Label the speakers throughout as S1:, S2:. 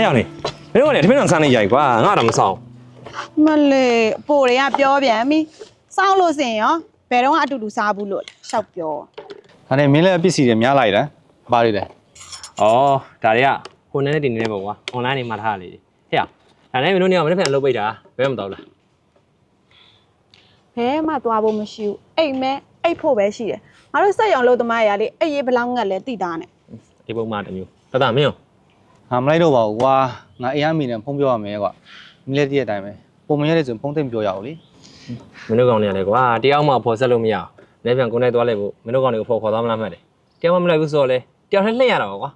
S1: ရောက်နေမင်းတို့ကလည်းတမင်းတော်ဆန်းနေရိုက်ကွာငါတော့မဆောင်
S2: မလေးပိုတွေကပြောပြန်ပြီစောင်းလို့စင်ရောဘယ်တော့အတူတူစားဘူးလို့ရှောက်ပြော
S3: ဒါနဲ့မင်းလည်းပစ္စည်းတွေများလိုက်တယ်ဘာတွေလဲ
S1: ဩဒါတွေကဟိုနဲ့တင်နေပေါ့ကွာ online နေမှာထားလေဟဲ့ဒါနဲ့မင်းတို့နေအောင်မနေ့ပြန်လုပ်ပိတ်တာဘယ်မှမတော့လား
S2: ဘဲမှသွားဖို့မရှိဘူးအိမ်မဲအိတ်ဖို့ပဲရှိတယ်ငါတို့စက်ရောင်လို့သမားရလေအိတ်ရေးဘလောင်းငတ်လဲတိတာနဲ့
S1: ဒီပုံမှန်တစ်မျိုးတမင်းရော
S3: ငါမလိုက်တော့ပါဘူးကွာငါအေးအမီနဲ့ဖုန်းပြောရမယ်ကွာမင်းလည်းတည့်တဲ့အတိုင်းပဲပုံမရတဲ့ဆိုဖုန်းသိမ့်ပြောရအောင်လေ
S1: မင်းတို့ကောင်နေရလေကွာတယောက်မှဖော်ဆက်လို့မရအောင်လည်းပြန်ကိုယ်နဲ့သွားလိုက်ဖို့မင်းတို့ကောင်တွေကိုခေါ်သွားမလားမှတ်တယ်တယောက်မှမလိုက်ဘူးဆိုတော့လေတယောက်နဲ့လှည့်ရတာကွာ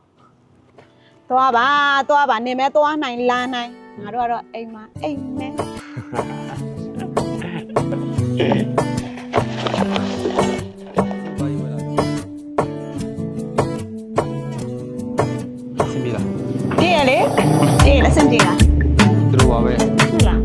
S2: သွားပါနေမဲသွားနိုင်လာနိုင်ငါတို့ကတော့အိမ်မှာအိမ်မဲ
S3: စင်ပြီလား
S2: တည့်ရလေတည့်ရလက်စင်တည့်လား
S3: သူတို့ပါပဲ
S2: ဟုတ်လား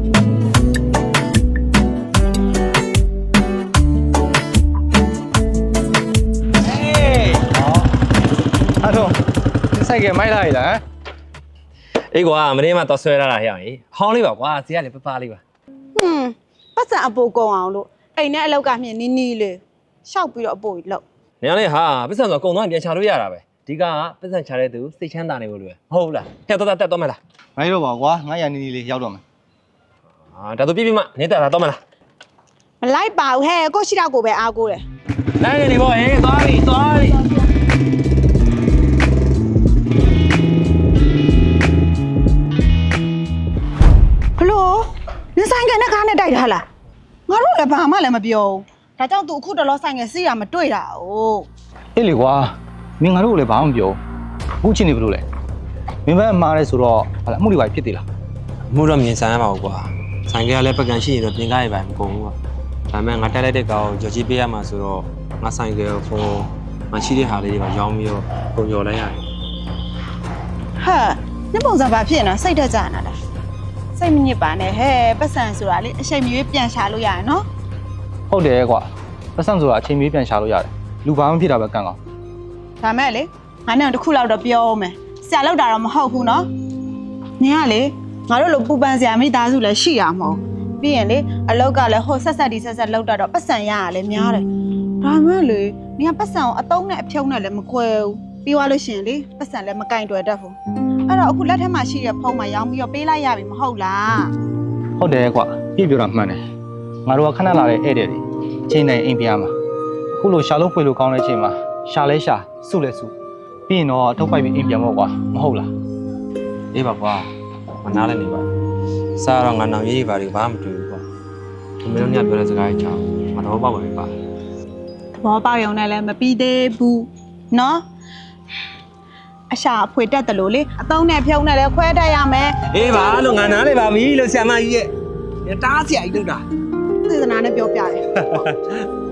S3: အဲ့တော့စိုက်ကမိုက်လာရလား
S1: အေးကွာမင်းမတော့ဆွဲလာတာဟဲ့ဟောင်းလေးပါကွာဈေးကလည်းပပလေးပါ
S2: ပတ်စံအပိုကုန်အောင်လို့အိမ်နဲ့အလောက်ကမြင်နီးနီးလေးရှောက်ပြီးတော့အပိုကြီးလောက်
S1: နေရလေဟာပတ်စံဆိုကုံသွားပြန်ချလို့ရတာပဲဒီကပတ်စံချတဲ့သူစိတ်ချမ်းသာနေလို့လွယ်မဟုတ်လားဟဲ့တော့တက်တော့မလား
S3: မိုက်တော့ပါကွာငါရနီနီလေးရောက်တော့မယ်
S1: ဒါဆိုပြပြမနေတက်တာတော့မလား
S2: မလိုက်ပါဘူးဟဲ့ကိုရှိတော့ကိုပဲအားကိုတယ်
S1: နိုင်နေပေါ့ဟေးသွားပြီ
S2: ဘလို့နင်ဆိုင်ကနဲ့ကားနဲ့တိုက်တာလားငါတို့လည်းဘာမှလည်းမပြောဘူးဒါကြောင့်သူအခုတလောဆိုင်ကစီးရမတွေ့တာ哦
S3: အေးလေကွာမင်းငါတို့လည်းဘာမှမပြောဘူးချင်းနေဘလို့လဲမင်းဘက်မှားလဲဆိုတော့ဟာအမှုတွေပါဖြစ်သေးလား
S1: မှုတော့မြင်ဆိုင်ရပါဘူးကွာဆိုင်ကလည်းပကံရှိရင်တော့ပြင်ကားရပါမကုန်ဘူးကွာဒါပေမဲ့ငါတက်လိုက်တဲ့ကောင်ကြော်ကြီးပေးရမှာဆိုတော့ငါဆိုင်ကဖုန်းမရှိတဲ့ဟာလေးတွေပါရောင်းပြီးတော့ပုံကျော်လိုက်ရတယ်
S2: ဟာနင်ပုံစံဘာဖြစ်နေစိတ်တက်ကြနာလားစိတ်မညစ်ပါနဲ့ဟဲ့ပတ်စံဆိုတာလေအချိန်မရွေးပြန်ရှာလို့ရတယ်နော်
S3: ဟုတ်တယ်ကွာပတ်စံဆိုတာအချိန်မီးပြန်ရှာလို့ရတယ်လူဘာမှဖြစ်တာပဲကန့်ကောင်း
S2: ဒါမဲ့လေငါနဲ့တစ်ခုလောက်တော့ပြောအောင်မယ်ဆရာလောက်တာတော့မဟုတ်ဘူးနော်နင်ကလေငါတို့လိုပူပန်ဆရာမိသားစုလည်းရှိရမဟုတ်ပြီးရင်လေအလောက်ကလည်းဟိုဆက်လောက်တာတော့ပတ်စံရရလဲများတယ်ဒါမဲ့လေနင်ကပတ်စံကိုအတုံးနဲ့အဖြုံးနဲ့လည်းမခွဲဘူးပြီးသွားလို့ရှိရင်လေပတ်စံလည်းမကင်တွယ်တတ်ဘူးအဲ့တော့အခုလက်ထက်မှာရှိတဲ့ဖုန်းမှာရောင်းပြီးတော့ပေးလိုက်ရပြီမဟုတ်လား
S3: ဟုတ်တယ်ကွာပြည့်ပြောတာမှန်တယ်ငါတို့ကခဏလာတဲ့ဧည့်သည်တွေအချိန်တိုင်းအိမ်ပြားမှာအခုလိုရှာလို့ဖွေလို့ကောင်းတဲ့အချိန်မှာရှာလဲရှာစုလဲစုပြီးရင်တော့ထုတ်ပိုက်ပြီးအိမ်ပြန်ပေါ့ကွာမဟုတ်လား
S1: အေးပါကွာမနာလည်းနေပါစားတော့ငါနောင်ရေးပါတွေဘာမှမတွေ့ဘူးကွာဒီမင်းတို့ညပြောတဲ့စကားကြီးကြောင့်မတော်ပေါက်ပါပဲပါ
S2: သဘောပေါက်ရုံနဲ့လည်းမပြီးသေးဘူးနော်အရှာအဖွေတက်တယ်လို့လေအတုံးနဲ့ဖြုံးနဲ့လည်းခွဲတတ်ရမယ်
S1: အေးပါလို့ငါနားလေပါပြီလို့ဆရာမကြီးရဲ့တားဆရာကြီးလုပ်တာ
S2: သေသနာနဲ့ပြောပြတယ်